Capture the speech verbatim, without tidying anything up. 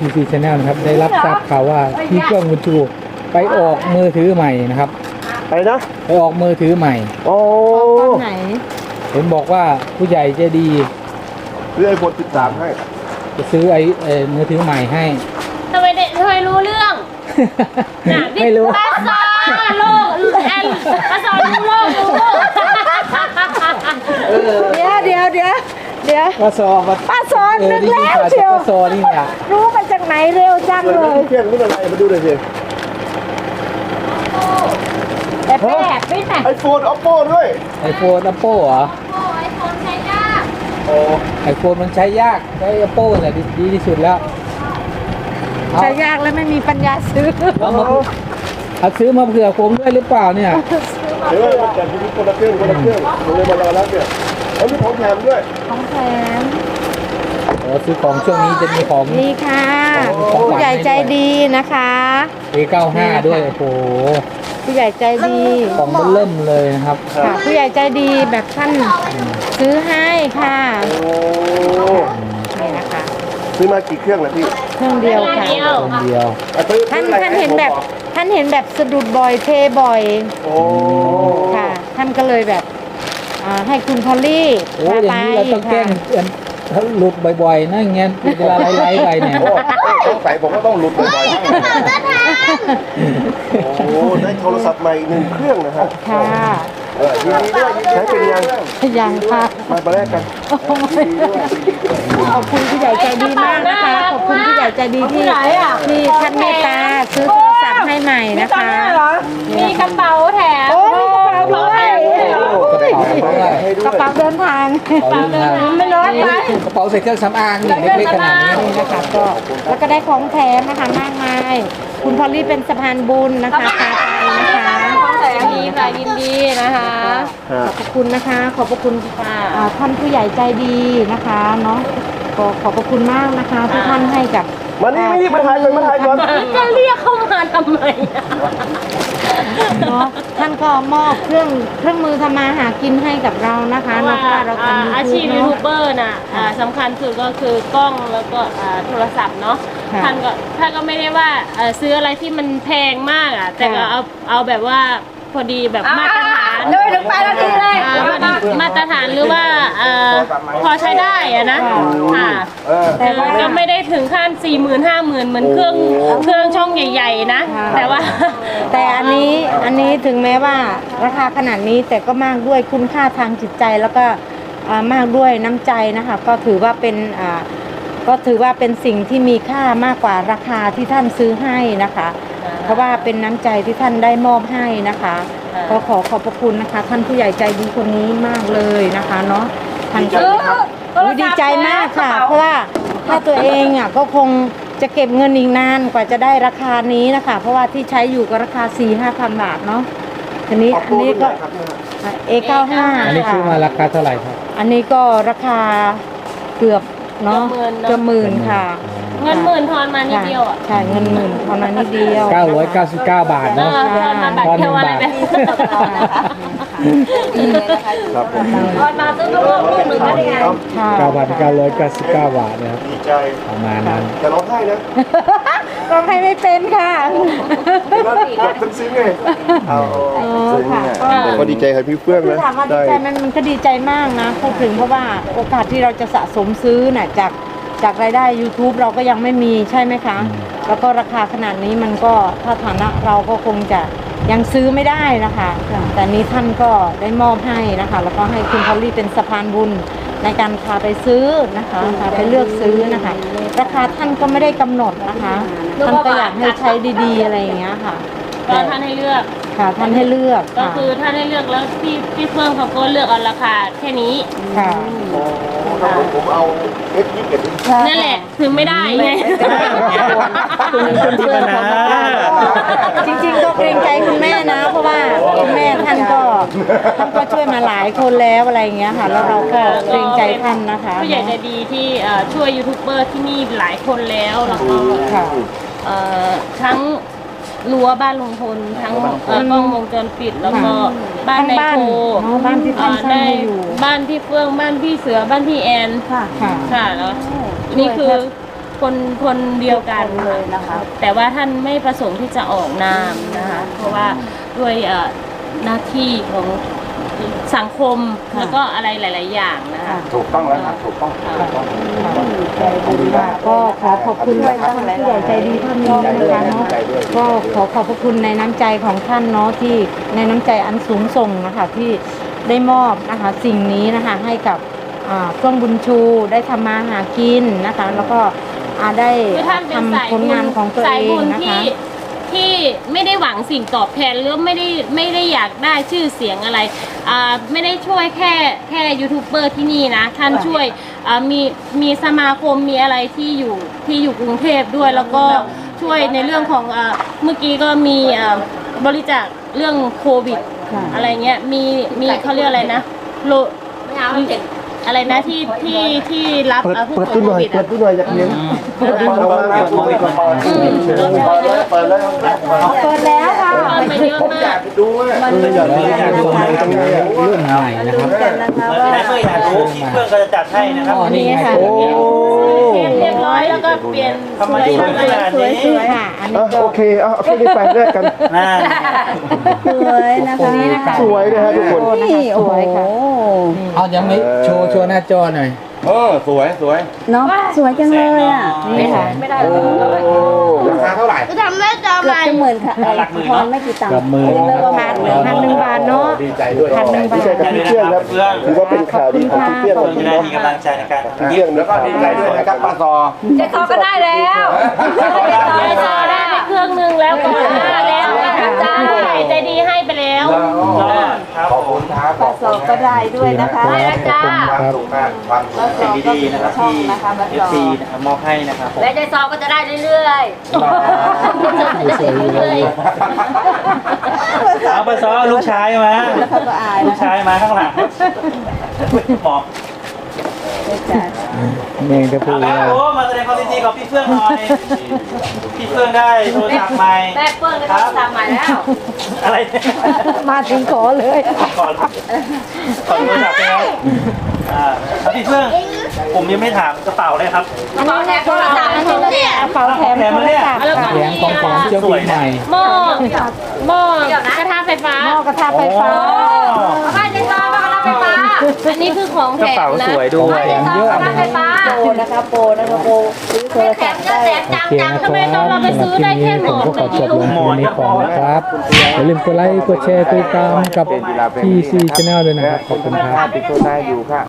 ซี Channel นะครับได้รับทราบข่าวว่าพี่เฟื่องบุญชูไปออกมือถือใหม่นะครับไปนะไปออกมือถือใหม่โอ้ตอนไหนเห็นบอกว่าผู้ใหญ่ใจดีซื้อไอโฟนสิบสามให้จะซื้อไอ้มือถือใหม่ให้ทำไมเด็กทำไมรู้เรื่องไม่รู้ป้าซอโลกแอนป้าซอรู้โลกรู้โลกเดี๋ยวเดี๋ยวเดี๋ยวเดี๋ยวป้าซอป้าซอนึกแล้วเชียวป้าซอนี่เนี่ยรู้มาจากไหนเร็วจังเลยเพื่อนนี่อะไรมาดูหน่อยสิแต่แปดไม่แต่ไอโฟน oppo ด้วยไอโฟน oppo เหรอไอโฟนใช้ยากโอ้ไอโฟนมันใช้ยากใช้ oppo แหละดีที่สุดแล้วใช้ยากแล้วไม่มีปัญญาซื้อเอามาเอาซื้อมาเผื่อผมด้วยหรือเปล่าเนี่ยเดี๋ยวมันจะมีคนละเครื่องคนละเครื่องผมเลยมารอรับเนี่ยแล้วมีของแถมด้วยของแถมโอ้ซื้อของช่วงนี้จะมีของนี่ค่ะผู้ใหญ่ใจดีนะคะเอ เก้าสิบห้า ด้วยโอ้โหผู้ใหญ่ใจดีของมันเริ่มเลยนะครับค่ะผู้ใหญ่ใจดีแบบท่านซื้อให้ค่ะนี่นะคะซื้อมากี่เครื่องนะพี่เครื่องเดียวค่ะเครื่องเดียวท่านท่านเห็นแบบท่านเห็นแบบสะดุดบ่อยเทบ่อยโอ้ค่ะท่านก็เลยแบบให้คุณพอลลี่โอ้อย่างนี้เราต้องแกล้งเขาหลุดบ่อยๆนะเงี้ยเวลาไล่ๆไปเนี่ยต้องใส่ผมก็ต้องหลุดบ่อยๆโอ้ได้โทรศัพท์ใหม่หนึ่งเครื่องนะฮะค่ะยินดีด้วยใช้เป็นยังยังค่ะมาประแรกกันขอบคุณผู้ใหญ่ใจดีมากนะคะขอบคุณผู้ใหญ่ใจดีที่ที่ท่านเมตตาซื้อโทรศัพท์ให้ใหม่นะคะมีกระเป๋าแถมโอ้มีกระเป๋าด้วยกระเป๋าเดินทางกระเป๋าเดินทางไม่น้อยไปกระเป๋าใส่เครื่องสำอางนี่เล็กๆขนาดนี้นะคะก็แล้วก็ได้ของแถมนะคะมากมายคุณพอลลี่เป็นสะพานบุญนะคะพาไปนะคะดีค่ะยินดีนะคะขอบคุณนะคะขอบพระคุณค่ะท่านผู้ใหญ่ใจดีนะคะเนาะขอขอบพระคุณมากนะคะที่ท่านให้กับมานี่มานี่มาถ่ายก่อนมาถ่ายก่อนจะเรียกเข้ามาทำไมเนาะท่านก็มอบเครื่องเครื่องมือทำมาหากินให้กับเรานะคะเพราะว่าเราทำอาชีพยูทูบเบอร์น่ะสำคัญสุดก็คือกล้องแล้วก็โทรศัพท์เนาะท่านก็ท่านก็ไม่ได้ว่าซื้ออะไรที่มันแพงมากอ่ะแต่ก็เอาเอาแบบว่าพอดีแบบมาตรฐานเลยถึงไปแล้วทีเลยมาตรฐานหรือว่าพอใช้ได้อะนะค่ะแต่ก็ไม่ได้ถึงขั้นสี่หมื่นห้าหมื่นเหมือนเครื่องเครื่องช่องใหญ่ๆนะแต่ว่าแต่อันนี้อันนี้ถึงแม้ว่าราคาขนาดนี้แต่ก็มากด้วยคุณค่าทางจิตใจแล้วก็มากด้วยน้ำใจนะคะก็ถือว่าเป็นก็ถือว่าเป็นสิ่งที่มีค่ามากกว่าราคาที่ท่านซื้อให้นะคะเพราะว่าเป็นน้ำใจที่ท่านได้มอบให้นะคะก็ขอขอบพระคุณนะคะท่านผู้ใหญ่ใจดีคนนี้มากเลยนะคะเนาะท่านก็ดีใจมากค่ะเพราะว่าถ้าตัวเองอ่ะก็คงจะเก็บเงินอีกนานกว่าจะได้ราคานี้นะคะเพราะว่าที่ใช้อยู่ก็ราคา สี่ห้าพัน บาทเนาะอันนี้อันนี้ก็ เอ เก้าสิบห้าอันนี้ซื้อมาราคาเท่าไหร่ครับอันนี้ก็ราคาเกือบเนาะเกือบหมื่นค่ะเงินหมื่นทอนมานิดเดียวอ่ะใช่เงินหมื่นทอนมานิดเดียวเก้าร้อยเก้าสิบเก้าบาทเนาะทอนหนึ่งบาทครับผมทอนมาซื้อลูกลูกหนึ่งได้ไงเก้าพันเก้าร้อยเก้าสิบเก้าบาทนะครับดีใจประมาณนั้นจะร้องไห้นะร้องไห้ไม่เป็นค่ะแบบซึ้งๆไงเอาก็ดีใจครับพี่เฟื่องนะถามว่าดีใจมันมันก็ดีใจมากนะพูดถึงเพราะว่าโอกาสที่เราจะสะสมซื้อน่ะจากจากรายได้ YouTube เราก็ยังไม่มีใช่ไหมคะแล้วก็ราคาขนาดนี้มันก็ถ้าฐานะเราก็คงจะยังซื้อไม่ได้นะคะแต่นี้ท่านก็ได้มอบให้นะคะแล้วก็ให้คุณพอลลี่เป็นสะพานบุญในการพาไปซื้อนะคะพาไปเลือกซื้อนะคะราคาท่านก็ไม่ได้กำหนดนะคะท่านก็อยากให้ใช้ดีๆอะไรอย่างเงี้ยค่ะก็ท่านให้เลือกค่ะท่านให้เลือกก็คือท่านให้เลือกแล้วพี่พี่เพิ่มเขาก็เลือกเอาราคาแค่นี้ค่ะผมเอาเอฟยี่สิบเอ็ดนั่นแหละถึงไม่ได้ไงคุณคุณที่ปัญหาจริงๆก็เกรงใจคุณแม่นะเพราะว่าคุณแม่ท่านก็ท่านก็ช่วยมาหลายคนแล้วอะไรอย่างเงี้ยค่ะแล้วเราก็เกรงใจท่านนะคะผู้ใหญ่ใจดีที่ช่วยยูทูบเบอร์ที่นี่หลายคนแล้วแล้วก็ทั้งรั้วบ้านลุงพลทั้งกล้องวงจรปิดแล้วก็บ้านในโคบ้านที่ท่านสร้างอยู่บ้านพี่เฟื่องบ้านพี่เสือบ้านพี่แอนค่ะค่ะแล้วนี่คือคนคนเดียวกันเลยนะคะแต่ว่าท่านไม่ประสงค์ที่จะออกนามนะคะ เพราะว่าด้วยเอ่อหน้าที่ของสังคมแล้วก็อะไรหลาย ๆ อย่างนะคะถูกต้องแล้วครับถูกต้องถูกต้องใจดีมากก็ขอขอบคุณท่านผู้ใหญ่ใจดีท่านนี้นะคะเนาะก็ขอขอบพระคุณในน้ำใจของท่านเนาะที่ในน้ำใจอันสูงส่งนะคะที่ได้มอบนะคะสิ่งนี้นะคะให้กับอ่าช่วงบุญชูได้ทำมาหากินนะคะ แล้วก็อ่าได้คือท่านเป็นสายทำผลบุงานญของตัวสายเอบุงญนะที่คะที่ไม่ได้หวังสิ่งตอบแทนหรือไม่ได้ไม่ได้อยากได้ชื่อเสียงอะไรอ่าไม่ได้ช่วยแค่แค่ยูทูบเบอร์ที่นี่นะท่านช่วยอ่ามีมีสมาคมมีอะไรที่อยู่ที่อยู่กรุงเทพด้วย แล้วก็ช่วยในเรื่องของอ่าเมื่อกี้ก็มีอ่าบริจาคเรื่องโควิดค่ะอะไรเงี้ยมีมีเขาเรียกอะไรนะโลอะไรนะที่ที่ที่รับเปิดอ่าผู้เปิดป่วยตู้หโคน่อยวิดเปิอะดตู้หน่อยอยากเลี้ยงเปิดตู้หน่อยเปิดตู้หน่อยเปิดแล้วเปิดแล้วเปิดแล้วค่ะเปิดมาเยอะผมมาอยาก กไปดูอ่ะมันมีอยากดูอยากดูตรงนี้เรื่องใหม่นะคลุ้รับนกันนะคะไหนว่าเพื่อนอยากรู้พี่เพื่อนก็จะจัดให้นะครับอ๋อนี่ไงค่ะโอ้เรียบเรียบร้อยแล้วก็เปลี่ยนทำไมสวยสวยขมากนาดสวยนี้สวยค่ะอันนี้อ่ะก็โอเคเอาเอาแค่นี้ไปแลกกันนั่นสวยนะคะนี่นะคะสวยนะฮะทุกคนนี่โอ้โหเอายังไม่โชว์โชว์หน้าจอหน่อยเออสวยสวยเนาะสวยจังเลยอ่ะนี่ค่ะโอ้ราคาเท่าไหร่จะทำได้จอเกือบจะหมื่นค่ะทอนไม่กี่ตังค์กับมือไม่ประมาพัณนเลยพันหนึ่งบาทเนาะดีใจด้วยพันหนึ่งบาทดีใจกับพี่เพื่อนครับถือว่าเป็นข่าวดีของพี่เพื่อนควันนจะนี้ได้เนาะมีกำลังใจในการทำพี่คลิเพื่ปอนแล้วก็ดีใจด้วยนะครับป้าซอเจ๊ซอก็ได้แล้วได้จอได้ไปเครื่องนึงแล้วก่อนหน้าแล้วจ้าใจดีให้ไปแล้วครับขอบคุณครับปลาซอก็ได้ด้วยนะคะได้แล้วจ้าความสุขมากความสุขปลาซสิ่อง ก็ดีมีๆนะครับช่องที่นะคะปลาเอซฟอซีนะครับมอบให้นะครับผมและเจ๊ซอก็จะได้เรื่อยสวยๆเลยเอาไปซ้อลูกชายมาๆแล้วเขาก็อายลูนะกชายมาข้างหลังหมอบเจ๊จ๋าแมงจะพูเอาดแล้วว่าโอ้มาแสดงความยินดีกับพี่เฟื่องหน่อยพี่เฟื่องได้โทรศัพท์ใหม่แม่เปิ้ลก็ต้องตามมาแล้วอะไรเนี่ยมาถึงขอเลยก่อนก่อนโทรศัพท์ใช่ไหมอ่าแล้วพี่เฟื่องผมยังไม่ถามกระเป๋าเลยครับกระเป๋าแทนโทรศัพท์เนี่ยกระเป๋าแถมโทรศัพท์แล้วก็แถมของของเจ้าปีใหม่หม้อหม้อกระทะไฟฟ้าหม้อกระทะไฟฟ้าบ้านเจ๊ซอบ้านกระทะไฟฟ้าอันนี้คือของกแถระเป๋ามนะสวยด้วยแถมเยอะบ้านไฟฟ้าโปรนะคะโปรนะคะโปรซื้อโทรศัพท์ได้โอเคนะครับสำหรับคลิปนี้ผมก็ขอจบลงเพียงนี้ก่อนนะครับอย่าลืมกดไลค์กดแชร์กดติดตามกับ ที ซี Channel ด้วยนะครับขอบคุณครับติดโทรได้อยู่ค่ะ